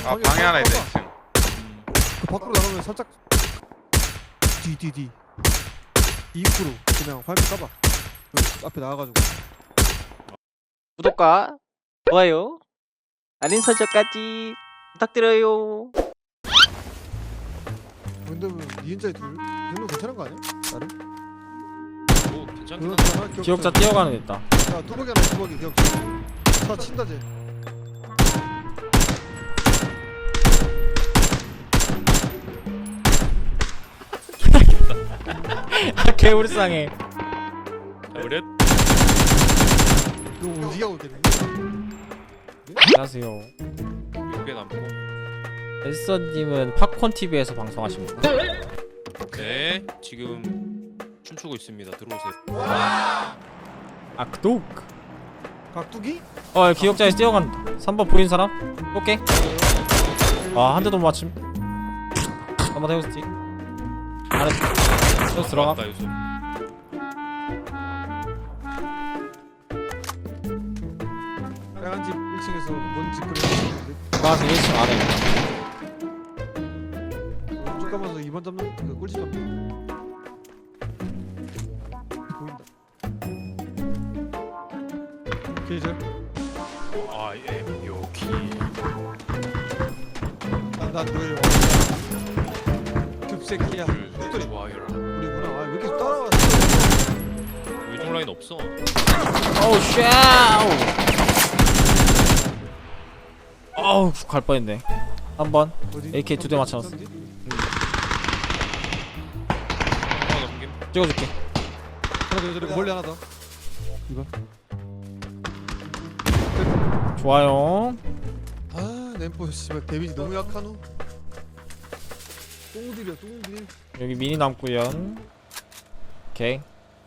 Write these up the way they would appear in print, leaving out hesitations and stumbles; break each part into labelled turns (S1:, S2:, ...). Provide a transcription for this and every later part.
S1: 방에 하나 있다 2층.
S2: 그 밖으로 나가면 살짝 뒤 입구로 그냥 화면 까봐. 여기 앞에 나와가지고.
S3: 구독과 좋아요, 알림 설정까지 부탁드려요.
S2: 근데 2인자에 둘? 이 정도 괜찮은 거 아니야? 나름?
S4: 오 괜찮긴
S2: 그렇잖아,
S4: 한데
S2: 기억자.
S5: 기억자 뛰어가는 애 있다.
S2: 야 뚜벅이 하나 뚜벅이 기억자. 차 친다 쟤.
S5: 개불쌍해.
S4: 자 그래?
S2: 너 움직이고 있겠네.
S5: 안녕하세요.
S4: 요게 남고
S5: 에스서님은 팝콘 TV에서 방송하십니까?
S4: 네 지금 춤추고 있습니다. 들어오세요.
S5: 아 구독.
S2: 각두기?
S5: 기억자에서 뛰어간다. 3번 보인 사람? 오케이. 한 대도 못 맞춤. 한번 해보지. 아래. 또 들어가.
S4: 맞다, 요소.
S2: 빨간 집 1층에서 뭔 짓거리 하는데
S5: 가서 1층 아래.
S2: 쭉 가면서 2번 잡는 그 꿀집 잡는 보인다. 게이저
S4: I am 요키.
S2: 난 너의 급새끼야.
S4: 줄 좋아요라.
S2: 우리구나. 아, 왜 이렇게 따라왔어?
S4: 위쪽 라인 없어.
S5: 어우 샤우. 어우 갈 뻔했네. 한번
S2: 어디?
S5: AK 2대 맞춰놨어.
S4: 하나 넘김.
S5: 찍어줄게.
S2: 하나 더 저기 멀리 하나 더. 이거.
S5: 좋아요.
S2: 아, 램포 씨발 데미지 너무 약하노. 똥들이야, 똥들.
S5: 여기 미니 남구요. 오케이.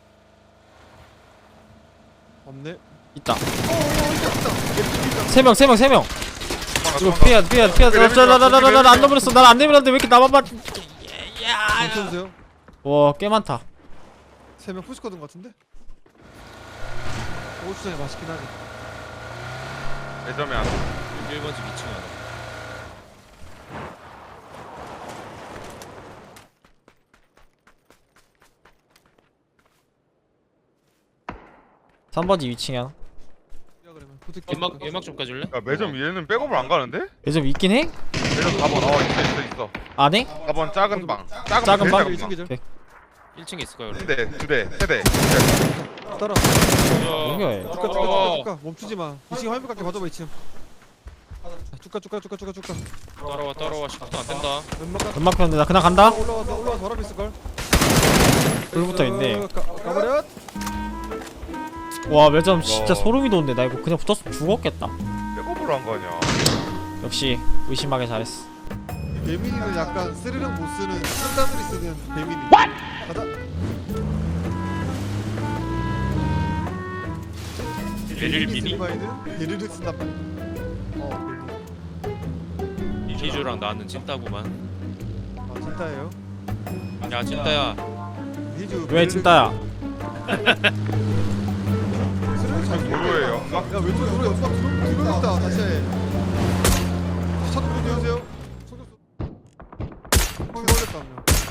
S2: 없네.
S5: 있다.
S2: 있다.
S5: 3명. 이거 피해. 나안 넘어렸어. 난 안 내밀었는데 왜 이렇게 나만 맞?
S2: 멈춰주세요.
S5: 와, 꽤 많다.
S2: 3명 푸시거든 같은데? 고추장이 맛있긴 하지.
S1: 매점에 하나.
S4: 1번 집 2층 하나.
S5: 3번지 2층이야.
S2: 야 그러면 부탁해.
S4: 연막 좀 까줄래?
S1: 야 매점 위에는 백업을 안 가는데?
S5: 요즘 있긴 해?
S1: 매점 4번 있어.
S5: 안 해?
S1: 4번 작은 방.
S5: 작은
S1: 제일
S5: 방?
S1: 작은 방.
S2: 기절.
S5: 오케이.
S4: 1층에 있을 거야.
S1: 1대, 2대, 3대.
S2: 따라.
S5: 뭐야 얘.
S2: 쭉가. 멈추지 마. 2층 화면 깎게 봐줘봐 2층. 쭉가.
S4: 따라와. 시간 안 된다.
S2: 왼막 깎.
S5: 연막 폈는데 나 그냥 간다?
S2: 올라와서 바람 있을 걸.
S5: 불부터 있네.
S2: 가버려.
S5: 와 매점 진짜
S1: 야.
S5: 소름이 돋는데 나 이거 그냥 붙었으면 죽었겠다.
S1: 백업을 안 가냐?
S5: 역시 의심하게 잘했어.
S2: 배민이는 약간 스르륵 못 쓰는 산다들이 쓰는 배민이. 가자.
S4: 베릴 미니?
S2: 베릴을 쓴단 말이야. 배민.
S4: 희주랑 나는 찐따구만.
S2: 아 진짜예요?
S4: 야 찐따야.
S2: 희주.
S5: 왜 진짜야?
S2: 스르륵 잘
S1: 도로에
S2: 모르겠다.
S1: 연막?
S2: 야 왼쪽 도로에 연막 들어있다. 다시 해. 차도 문 열으세요. 속였어. 걸렸다 한 명.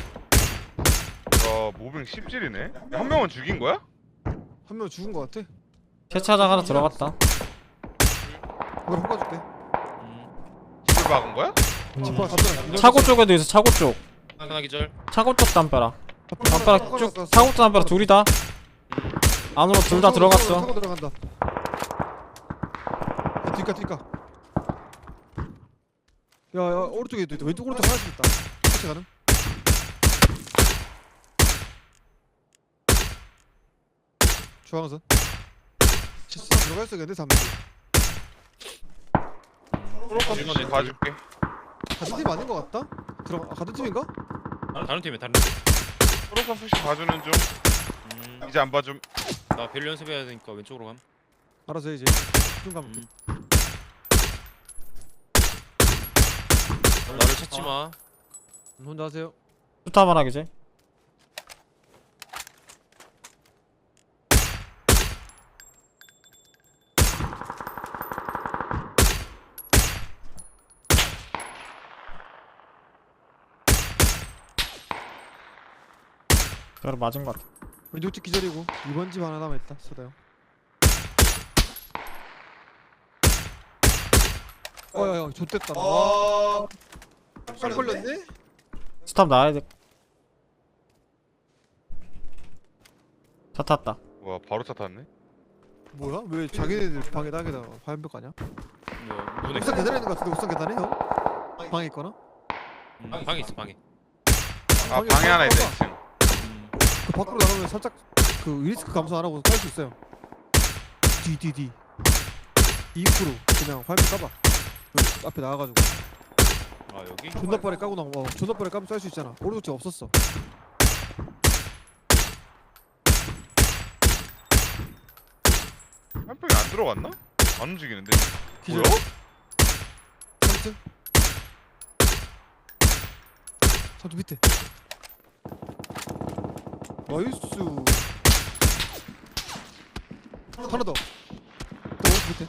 S1: 야 모빙 10질이네? 한 명은 죽인 거야?
S2: 한 명 죽은 거 같아.
S5: 세차장 하나 들어갔다.
S2: 이걸 헛가줄게.
S1: 집을 박은 거야?
S2: 지퍼 잡잖아.
S5: 차고 쪽에도 있어. 차고 쪽.
S4: 하나 기절.
S5: 차고 쪽 담벼락. 담벼락 쭉. 차고 쪽 담벼락 둘이다. 안으로 둘 다 들어갔어.
S2: 차고 들어간다. 뒷가. 야 오른쪽에도 있다. 왼쪽 오른쪽 하나씩 있다. 같이 가는. 중앙선. 진짜 들어가 있어야겠네 3명.
S1: 프로카스 봐줄게.
S2: 같은 팀 아닌 거 같다? 같은 팀인가?
S4: 다른 팀.
S1: 프로카스 봐주는 중. 이제 안 봐줌.
S4: 나 벨 연습해야 되니까 왼쪽으로 감.
S2: 알아서 해 이제. 좀 가면 돼.
S4: 나를 찾지 마.
S2: 혼자 하세요.
S5: 수타만 하기지. 그래 맞은 것 같아.
S2: 왼쪽 집 기절이고 2번 집 하나 남아있다 쏘다요. 어야야 좆됐다 나. 와 깜 걸렸네?
S5: 스탑 나와야 돼. 차 탔다.
S1: 와 바로 차 탔네.
S2: 뭐야? 왜 자기네들 방에 땅에다 화염벽 가냐?
S4: 뭐 문에
S2: 옥상 계단에 있는 거 같은데 옥상 계단에 형? 방에 있거나?
S4: 방에 있어 방에.
S1: 아
S2: 방에
S1: 방에 하나 있다
S2: 봐봐.
S1: 2층.
S2: 그 밖으로 나가면 살짝 그 리스크 감소 안 하고 깔 수 있어요. 뒤 입구로 그냥 화염벽 까봐. 그 앞에 나와가지고
S4: 아 여기?
S2: 존나 빠르게 까고 나와. 존나 빠르게 까면 쌀 수 있잖아. 오른쪽 집 없었어.
S1: 한 병이 안 들어갔나? 안 움직이는데.
S2: 기절.
S1: 뭐야?
S2: 3층 3층 밑에 나이스. 하나 더. 또 오른쪽 밑에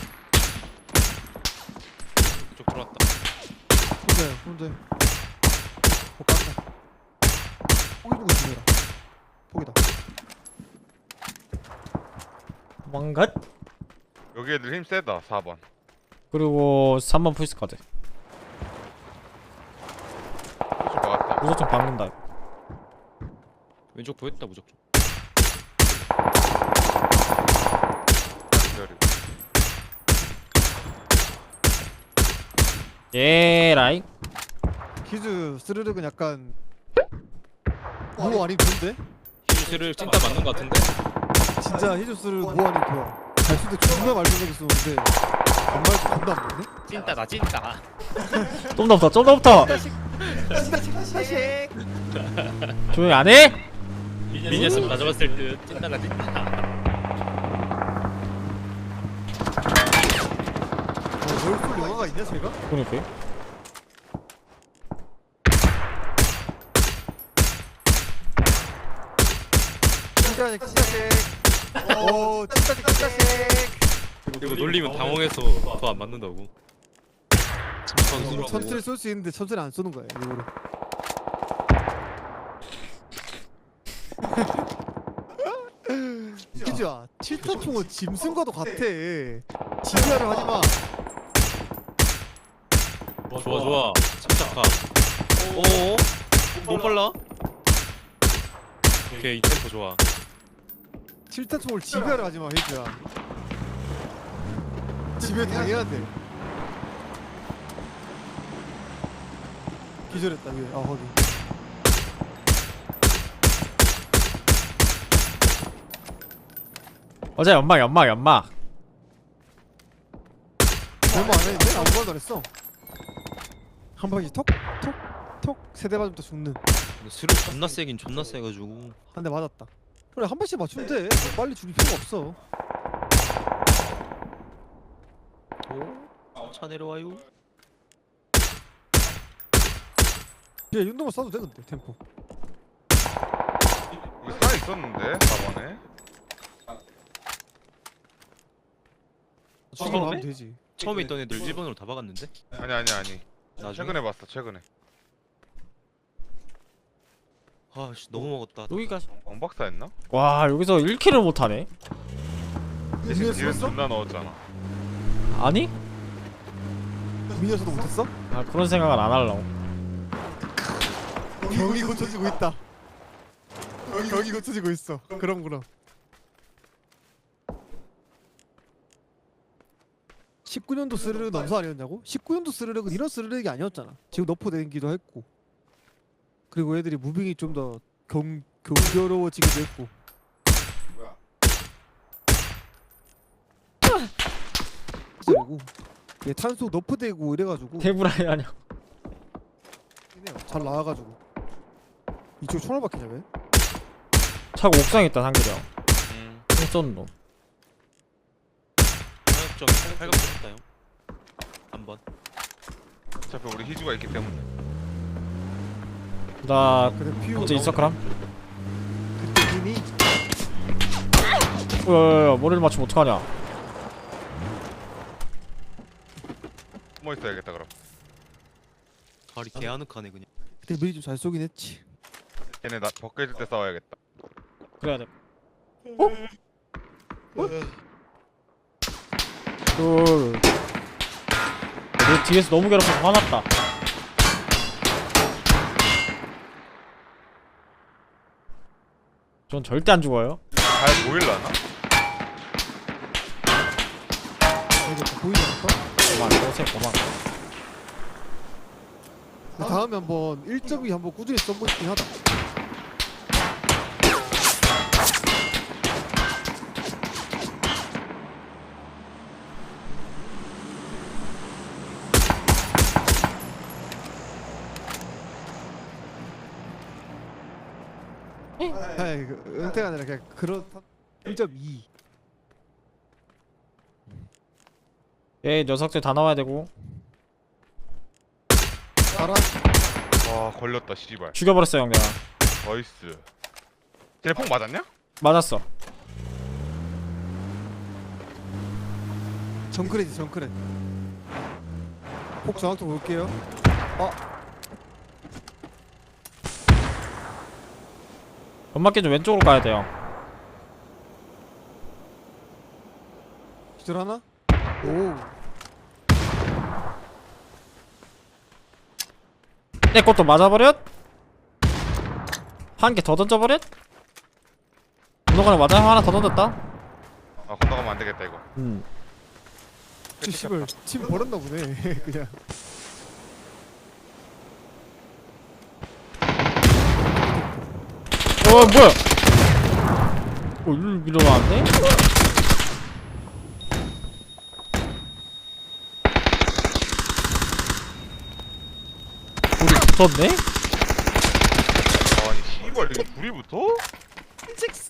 S4: 이쪽 들어왔다.
S2: 혼자야 혼자. 못 간다. 포기 보고 있으라. 포기다.
S5: 망갓.
S1: 여기 애들 힘 세다 4번.
S5: 그리고 3번 풀스 카드.
S1: 그쪽 막았다.
S5: 무조건 박는다.
S4: 왼쪽 보였다 무조건.
S1: 기다리고.
S5: 예라이.
S2: 키즈 스르륵은 약간 뭐 아니 좋은데?
S4: 히즈를 찐따 맞는 거 같은데?
S2: 진짜 히즈스를 뭐 아니 좋아. 잘 쓸 때 존나 말썽하게 쓰는데 안 말도 존나 안 맞네?
S4: 찐따다 찐따.
S5: 좀 더 붙어. 좀 더 붙어. 조용히 안 해?
S4: 미니였으면 가져갔을 듯. 찐따다 찐따.
S2: 널쏠 영화가 있냐 제가?
S5: 그러니까.
S2: 찐짜식 오 찐짜식
S4: 그리고 놀리면 당황해서 더 안 맞는다고.
S2: 천천히 쏠 수 있는데 천천히 안 쏘는 거야 일부러. 키즈야 7타 총은 짐승과도 같아. 지휘하려 하지마.
S4: 좋아 좋아. 침착함. 오. 너무 빨라. 오케이 이 템포 좋아.
S2: 7타 총을 지휘하려 하지마 히즈야. 지휘 당해야 돼. 기절했다 위에. 아 거기.
S5: 어제 연막.
S2: 얼마 안 했는데? 아무 말도 안 했어. 한 방씩 톡톡톡 세대 맞으면 또 죽는.
S4: 스를 존나 세긴 존나 세가지고.
S2: 한 대 맞았다. 그래 한 발씩 맞추면 돼. 뭐 빨리 죽일 필요가 없어.
S4: 오. 차 내려와요.
S2: 얘 윤동을 쏴도 돼 근데 템포.
S1: 여기 차 있었는데 4번에.
S2: 죽이면 하면 되지.
S4: 처음에 있던 애들 1번으로 다 박았는데?
S1: 아니.
S4: 나중에?
S1: 최근에 봤어 최근에.
S4: 아씨 너무 먹었다.
S5: 여기까지.
S1: 왕박사 했나?
S5: 와 여기서 1킬을 못하네.
S2: 미니어
S1: 뒤에
S2: 쏘았어?
S1: 존나 넣었잖아.
S5: 아니?
S2: 미니어서도 못했어?
S5: 아 그런 생각은 안 하려고.
S2: 경이 고쳐지고 있다. 경이 고쳐지고 있어. 그럼 19년도 스르륵 넘사 아니었냐고? 19년도 스르륵은 이런 스르륵이 아니었잖아. 지금 너프 되기도 했고. 그리고 애들이 무빙이 좀 더 경교로워지기도 했고. 그리고 얘 탄소 너프 되고 이래가지고
S5: 테브라이 아니야.
S2: 잘 나와가지고. 이쪽 총알 박히냐 왜?
S5: 차고 옥상에 있다 상규령. 쏜 놈.
S4: 사격적 팔각도 했다요. 한번.
S1: 어차피 우리 희주가 있기 때문에.
S5: 나
S2: 그래 피우.
S5: 이제 있어 그럼?
S2: 그때 이미
S5: 야야야 머리를 맞추면 어떡하냐.
S1: 숨어 있어야겠다 그럼.
S4: 발이 개 아늑하네 그냥.
S2: 그때 미리 좀 잘 쏘긴 했지.
S1: 얘네 나 벗겨질 때 싸워야겠다.
S5: 그래야 돼. 어? 내 뒤에서 너무 괴롭혀서 화났다. 전 절대 안 죽어요.
S1: 잘 보일라나?
S2: 이거 보이지 않을까?
S5: 고만, 오세요, 고만.
S2: 다음에 한번 1.2 한번 꾸준히 써보고 싶긴 하다. 아이 그 은퇴가 아니라 그냥 그런 1.2.
S5: 예, 녀석들 다 나와야 되고.
S2: 알아?
S1: 와 걸렸다 씨발.
S5: 죽여버렸어, 형, 내가.
S1: 나이스. 쟤네 폭 맞았냐?
S5: 맞았어.
S2: 정크레지 정크레. 폭 정확도 볼게요.
S5: 연막기 좀 왼쪽으로 가야 돼요.
S2: 기절 하나? 오.
S5: 내 것도 맞아버렸? 한 개 더 던져버렸? 운동관에 맞아 형 하나 더 던졌다?
S1: 아 건너가면 안 되겠다 이거.
S2: 저 씨발 팀 버렸나 보네. 그냥.
S5: 뭐야? 일로 밀어놨네? 우리 붙었네?
S1: 아니 씨발 이게 불이 붙어?
S2: 찍스.